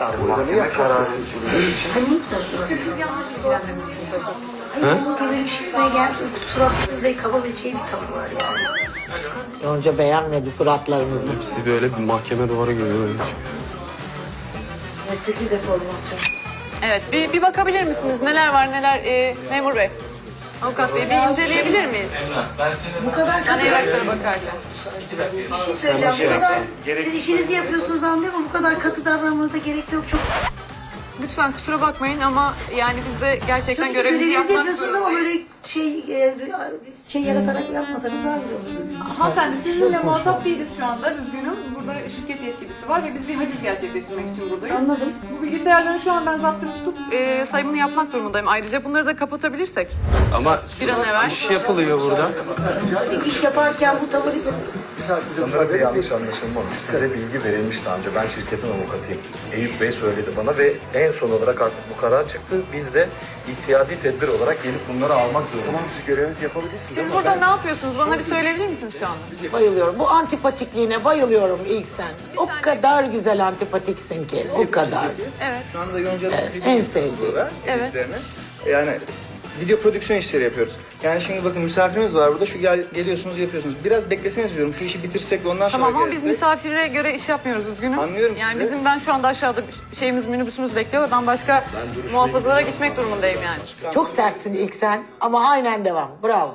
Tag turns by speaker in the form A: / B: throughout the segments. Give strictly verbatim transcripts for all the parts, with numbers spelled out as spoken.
A: Mahkeme kararı
B: Hani bu da suratsız. Siz yanlış bilgilendirmişsiniz. Hayır, bu böyle işitmeye geldi. Suratsız ve kaba ve şey bir tavır var yani.
C: Yonca beğenmedi suratlarımızı.
D: Hepsi böyle bir mahkeme duvarı gibi öyle çıkıyor.
B: Mesleki deformasyon.
E: Evet, bir, bir bakabilir misiniz? Neler var, neler? Ee, memur bey, avukat bey, bir inceleyebilir miyiz?
B: Bu kadar
E: Ben
B: katı.
E: evraklara bakarken.
B: Bir şey söyleyeceğim. Bu kadar, siz işinizi yapıyorsunuz anlıyorum ama bu kadar katı davranmanıza gerek yok. Çok
E: Lütfen kusura bakmayın ama yani biz de gerçekten görevimizi
B: görevinizi
E: yapmak
B: yapıyorsunuz ama
E: zorundayız.
B: böyle şey e, şey yaratarak yapmasanız daha güzel olur.
E: Hanımefendi sizinle muhatap değiliz şu anda, üzgünüm. Burada şirket yetkilisi var ve biz bir haciz gerçekleştirmek için buradayız.
B: Anladım.
E: Bu bilgisayarların şu an ben zaptını tutup e, sayımını yapmak durumundayım. Ayrıca bunları da kapatabilirsek.
D: Ama
E: Bir an evvel.
D: iş yapılıyor burada.
B: İş yaparken bu tavır
A: Sanırım bir yanlış anlaşılma olmuş. Size bilgi verilmiş daha önce. Ben şirketin avukatıyım. Eyüp Bey söyledi bana ve en son olarak artık bu karar çıktı. Biz de ihtiyadi tedbir olarak gelip bunları almak zorundayız. Tamam, siz görevinizi yapabilirsiniz.
E: Siz burada ne yapıyorsunuz? Bana bir söyleyebilir misiniz şu anda?
C: Bayılıyorum. Bu antipatikliğine bayılıyorum ilk sen. O kadar güzel antipatiksin ki. O kadar.
E: Evet.
F: Şu anda Yonca'nın
C: Evet, en sevdiğim.
E: Evet.
F: Yani video prodüksiyon işleri yapıyoruz. Yani şimdi bakın misafirimiz var burada. Şu gel, geliyorsunuz yapıyorsunuz. Biraz bekleseniz diyorum. Şu işi bitirsek de ondan sonra
E: Tamam ama biz
F: gelirsek.
E: misafire göre iş yapmıyoruz, üzgünüm.
F: Anlıyorum
E: Yani
F: sizi.
E: bizim ben şu anda aşağıda bir şeyimiz, minibüsümüz bekliyor. Ben başka muhafazalara gitmek durumundayım yani.
C: Çok sertsin ilk sen ama aynen devam. Bravo.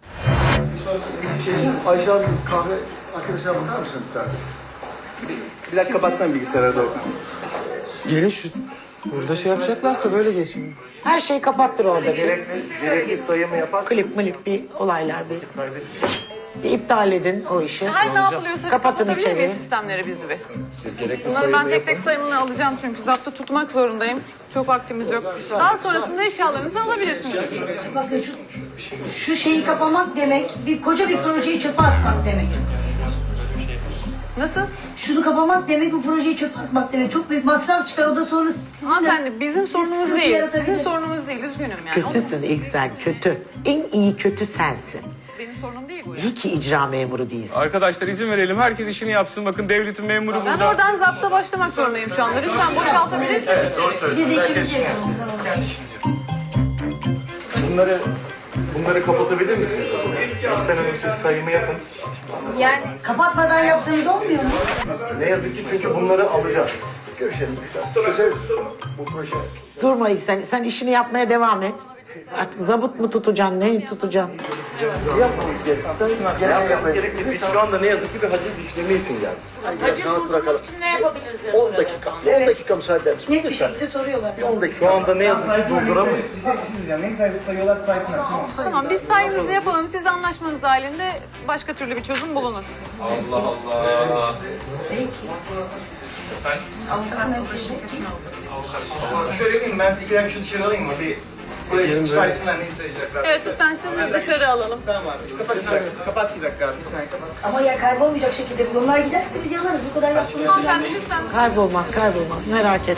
G: Ayşe abi kahve arkadaşına bakar mısın bir tane?
F: Bir dakika kapatsana bilgisayarı doğru.
D: Gelin şu burada şey yapacaklarsa böyle geçin.
C: Her şeyi kapattır oradaki.
A: Gerekli, gerekli sayımı yaparsanız
C: Klip milip bir olaylar bir. Bir iptal edin o işi.
E: Her ne yapılıyorsa
C: Kapatın
E: kapatabilir miyiz
C: içeriği.
E: sistemleri biz bir?
A: siz gerekli
E: Bunları
A: sayımı
E: ben tek
A: yapın.
E: tek sayımını alacağım çünkü zaptı tutmak zorundayım. Çok vaktimiz yok. Daha sonrasında eşyalarınızı alabilirsiniz.
B: bakın şu, şu şeyi kapamak demek bir koca bir projeyi çöpe atmak demek.
E: Nasıl?
B: Şunu kapamak demek bu projeyi çöpe atmak demek. Çok büyük masraf çıkar o da sonra sizin de-
E: Hanımefendi bizim sorunumuz
B: sıkıntı
E: değil.
B: yaratabilir.
E: Bizim sorunumuz değil, üzgünüm yani.
C: Kötüsün ilk sen, kötü. En iyi kötü sensin.
E: O benim sorunum değil bu ya.
C: İyi ki icra memuru değilsin.
D: Arkadaşlar izin verelim. Herkes işini yapsın. Bakın devletin memuru
E: Ben
D: burada.
E: oradan zapta başlamak zorundayım şu anda. Lütfen boşaltabilirsiniz.
B: Biz de işimizi yapıyoruz.
A: Bunları, bunları kapatabilir misiniz o zaman? Eksen Hanım siz sayımı yapın.
B: Kapatmadan yapsanız olmuyor mu?
A: Ne yazık ki çünkü bunları alacağız.
G: Görüşelim. Çözeriz bu proje.
C: Durma ilk sen. Sen işini yapmaya devam et. Artık zabıt mı tutacaksın, neyi tutacaksın?
A: Yapmamız gerekiyor. Yapmamız gerekiyor. Biz şu anda ne yazık ki bir haciz işlemi için geldik.
E: Haciz durdurmak için ne yapabiliriz?
G: on dakika. on dakika müsaade eder misin?
B: Net bir şekilde soruyorlar.
G: on dakika.
A: Şu anda ne yazık ki durduramayız.
F: Ne sayısı sayıyorlar saysınlar.
E: Tamam biz sayımızı yapalım. Siz anlaşmanız dahilinde başka türlü bir çözüm bulunur.
B: Peki. Avukatın hepsi şirketi mi?
F: Şöyle yapayım ben size iki dakika şu dışarı alayım mı? Bir buraya saysınlar neyi sayacaklar.
E: Evet lütfen sizi dışarı alalım.
F: Tamam abi. Kapat bir dakika. Kapat bir dakika abi. Bir saniye kapat.
B: Ama ya kaybolmayacak şekilde bu yollar giderse biz yanarız. Bu kadar yaptığımız
E: Hanımefendi lütfen.
C: Kaybolmaz, kaybolmaz. Merak etme.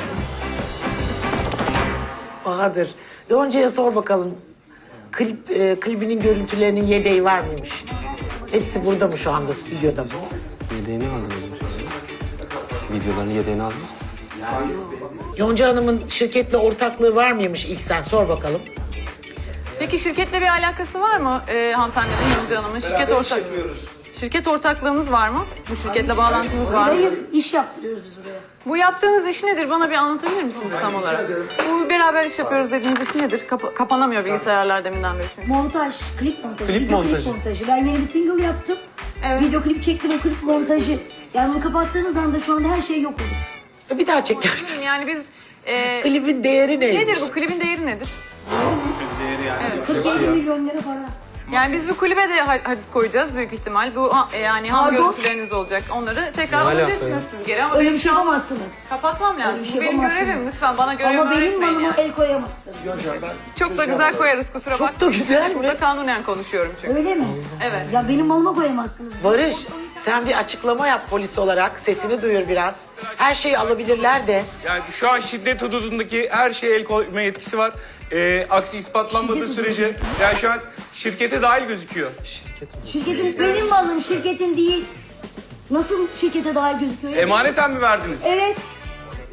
C: Bahadır, Yonca'ya sor bakalım. Klip, e, klibinin görüntülerinin yedeği var mıymış? Hepsi burada mı şu anda, stüdyoda mı?
D: Yedeğini aldınız mı? Videoların yedeğini aldınız mı?
C: Yonca Hanım'ın şirketle ortaklığı var mıymış ilk sen? Sor bakalım.
E: Peki şirketle bir alakası var mı e, hanımefendinin, Yonca Hanım'ın? Şirket ortak. Şirket ortaklığınız var mı? Bu şirketle bağlantınız var mı?
B: Hayır, iş yaptırıyoruz biz buraya.
E: Bu yaptığınız iş nedir? Bana bir anlatabilir misiniz tam olarak? Bu beraber iş yapıyoruz dediğiniz iş nedir? Kapa- kapanamıyor bilgisayarlar deminden beri çünkü.
B: Montaj, klip montajı,
D: Klip
B: video
D: montajı.
B: klip montajı. Ben yeni bir single yaptım.
E: Evet.
B: Video klip çektim, o klip montajı. Yani bunu kapattığınız anda şu anda her şey yok olur.
C: Bir daha çekersin.
E: Bilmiyorum, Yani biz... E,
C: Klibin değeri neymiş?
E: nedir bu? Klibin değeri nedir?
B: kırk elli milyon lira para.
E: Yani biz bir kulübe de ha- haciz koyacağız büyük ihtimal. Bu ha- e, yani ham
B: Pardon?
E: görüntüleriniz olacak. Onları tekrar
D: Ne alaka
E: alabilirsiniz
D: ya?
E: siz geri ama
B: Öyle
E: benim
B: bir şey
E: şu an
B: yapamazsınız.
E: kapatmam lazım.
B: Öyle bir
E: Bu
B: şey
E: benim
B: yapamazsınız.
E: görevim. Lütfen bana görevimi
B: Ama benim
E: öğretmeyin
B: malıma
E: yani.
B: el koyamazsınız.
E: Çok da güzel koyarız kusura bakmayın.
C: da güzel mi?
E: Burada kanunen konuşuyorum çünkü.
B: Öyle mi?
E: Evet.
B: Ya benim malıma koyamazsınız.
C: Barış, sen bir açıklama yap polis olarak. Sesini duyur biraz. Her şeyi alabilirler de.
D: Yani şu an şiddet hududundaki her şeye el koyma yetkisi var. Ee, aksi ispatlanmadığı
B: Şiddet
D: sürece yani şu an şirkete dahil gözüküyor.
B: Şirketin benim malım, şirketin değil. Nasıl şirkete daha gözüküyor?
D: Emaneten mi verdiniz?
B: Evet.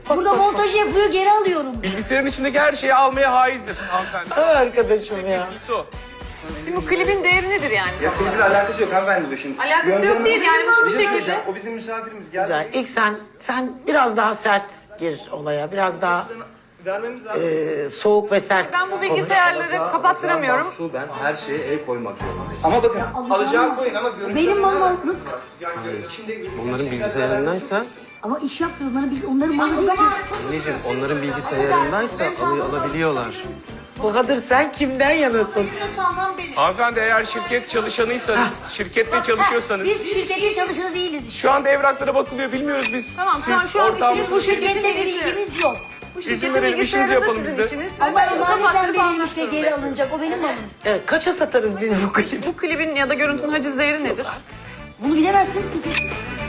B: Burada montajı yapıyor, geri alıyorum.
D: Bilgisayarın içindeki her şeyi almaya haizdir hanımefendi.
C: Ay arkadaşım ya.
D: Birisi o.
E: Şimdi bu klibin değeri nedir yani?
F: Ya klibin alakası yok hanımefendi bu şimdi.
E: Alakası
F: Yonca
E: yok
F: Hanım-
E: değil yani, bu
F: Bir
E: bir
F: şey
E: şekilde-
F: söyleyeceğim. O bizim misafirimiz. Gel.
C: Güzel. İlk sen sen biraz daha sert gir olaya. Biraz daha
F: Vermemiz lazım.
C: e, soğuk ve sert.
E: Ben bu bilgisayarları kapattıramıyorum.
A: Su, ben her şeye el koymak zorundayım.
F: Ama bakın
B: alacağım
F: alacağı
B: ama-
F: koyun ama görüntü.
B: Benim malım nasıl?
F: Yani içinde
H: Onların bilgisayarındaysa,
B: Ama iş yaptır, onların, bil- onların malı değil ki.
H: anneciğim onların bilgisayarındaysa al- alabiliyorlar.
C: Bahadır sen kimden yanasın?
D: Hanımefendi eğer şirket çalışanıysanız, şirkette çalışıyorsanız,
B: Biz şirketin çalışanı değiliz.
D: şu anda evraklara bakılıyor, bilmiyoruz biz.
E: Tamam, şu an-
D: Siz
E: şu an
D: ortağımız-
B: Biz bu şirkette bir ilgimiz yok.
E: Bu
D: İzin
E: şirketin
D: verelim, işimizi
E: bilgisayarı da
D: yapalım
E: sizin
D: biz de.
E: işiniz.
B: Ama
E: Siz bunu
B: emanetten
E: kapattırıp
B: verilmiş
E: almak
B: ve geri
E: zorundayım.
B: alınacak. O benim malım.
C: Evet, kaça satarız biz bu klibi?
E: Bu klibin ya da görüntünün haciz değeri nedir?
B: Bunu bilemezsiniz ki siz.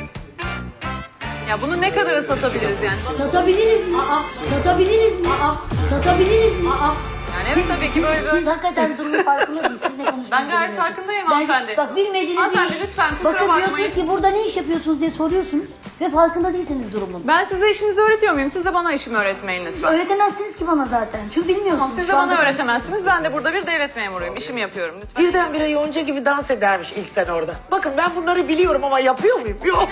E: Ya bunu ne kadara satabiliriz yani?
B: Satabiliriz mi? Aa, satabiliriz mi? Aa, satabiliriz mi? Aa.
E: Yani evet, tabii ki böyle
B: Siz,
E: bir...
B: siz hakikaten durumun farkında değilsiniz. Siz ne konuştuğunuzu
E: Ben gayet
B: bilmiyorsunuz.
E: farkındayım
B: Ben-
E: hanımefendi.
B: Bak bilmediğiniz
E: Hanımefendi,
B: bir iş.
E: lütfen, kusura
B: Bakın
E: bakmayın.
B: diyorsunuz ki burada ne iş yapıyorsunuz diye soruyorsunuz. Ve farkında değilsiniz durumun.
E: Ben size işinizi öğretiyor muyum? Siz de bana işimi öğretmeyin lütfen.
B: Öğretemezsiniz ki bana zaten. Çünkü bilmiyorsunuz.
E: Tamam, siz de
B: Şu
E: bana
B: anda-
E: öğretemezsiniz. Ben de burada bir devlet memuruyum. İşimi yapıyorum lütfen.
C: Birdenbire Yonca gibi dans edermiş ilk sen orada. Bakın ben bunları biliyorum ama yapıyor muyum? Yok.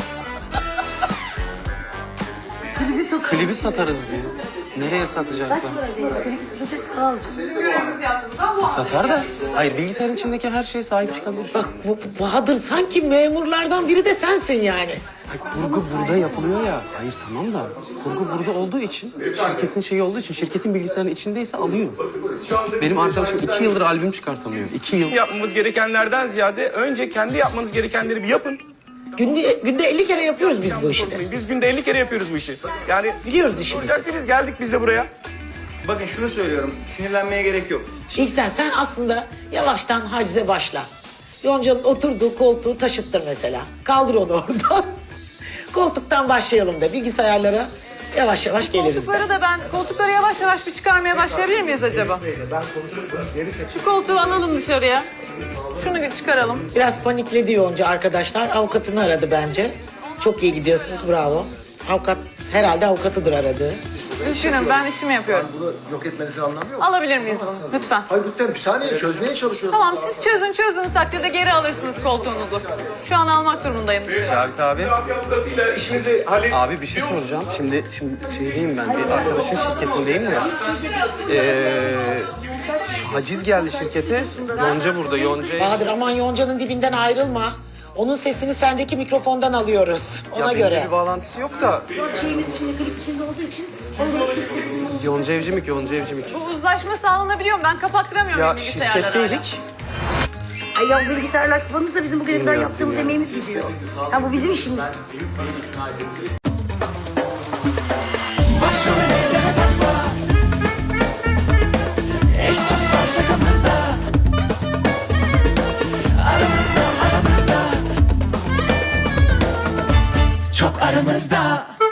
H: Klibi satarız diyor. Nereye satacaklar?
B: Kaç para değil? Klibi satacak para alacağız.
E: Görevimizi yaptığımızda bu
H: Satar da. Hayır, bilgisayarın içindeki her şeye sahip çıkabilir şu an.
C: Bak bu Bahadır sanki memurlardan biri de sensin yani.
H: Ay, kurgu burada yapılıyor ya. Hayır tamam da kurgu burada olduğu için, şirketin şeyi olduğu için, şirketin bilgisayarının içindeyse alıyor. Benim arkadaşım iki yıldır albüm çıkartamıyor. İki yıl.
D: Yapmamız gerekenlerden ziyade önce kendi yapmanız gerekenleri bir yapın.
C: Günde, günde elli kere yapıyoruz biz bu
D: Yanlış
C: işi.
D: olmayın. Biz günde elli kere yapıyoruz bu işi. Yani
C: Biliyoruz işimizi.
D: olacak ki biz geldik biz de buraya.
F: Bakın şunu söylüyorum. Sinirlenmeye gerek yok.
C: İlk sen, sen aslında yavaştan hacize başla. Yonca'nın oturduğu koltuğu taşıttır mesela. Kaldır onu oradan. Koltuktan başlayalım da bilgisayarlara yavaş yavaş geliriz de.
E: koltukları da ben, koltukları yavaş yavaş bir çıkarmaya başlayabilir miyiz acaba? Şu koltuğu alalım dışarıya. Şunu çıkaralım.
C: Biraz panikledi Yonca arkadaşlar. Avukatını aradı bence. Çok iyi gidiyorsunuz, bravo. Avukat, herhalde avukatıdır aradığı.
E: Düşünün, ben işimi yapıyorum.
G: Bunu yok etmenizi anlamıyor mu?
E: Alabilir miyiz bunu? Lütfen.
G: Hayır lütfen bir saniye çözmeye çalışıyoruz.
E: Tamam, siz çözün, çözdüğünüz takdirde geri alırsınız koltuğunuzu. Şu an almak durumundayım dışarı.
H: Cavit abi.
D: Mafya avukatıyla işimizi hallet.
H: Abi bir şey soracağım. Şimdi şimdi şeydeyim ben. Bir arkadaşın şirketindeyim de. Ee, haciz geldi şirkete. Yonca burada. Yonca.
C: Bahadır aman Yonca'nın dibinden ayrılma. Onun sesini sendeki mikrofondan alıyoruz. Ona
H: Ya
C: göre.
H: benimle bir bağlantısı yok da.
B: Şeyimiz içinde, klip içinde olduğu için.
H: Yonca Evcimik, Yonca Evcimik.
E: Bu uzlaşma sağlanabiliyor mu? Ben kapattıramıyorum
H: Ya
E: bilgisayarları.
H: şirketteydik.
B: Ay ya bilgisayarlar kapanırsa bizim bugüne kadar yaptığımız emeğimiz gidiyor. Ha bu bizim işimiz.
I: Başrol eyleme takma. Eş dost var şakamızda. Aramızda aramızda. Çok aramızda.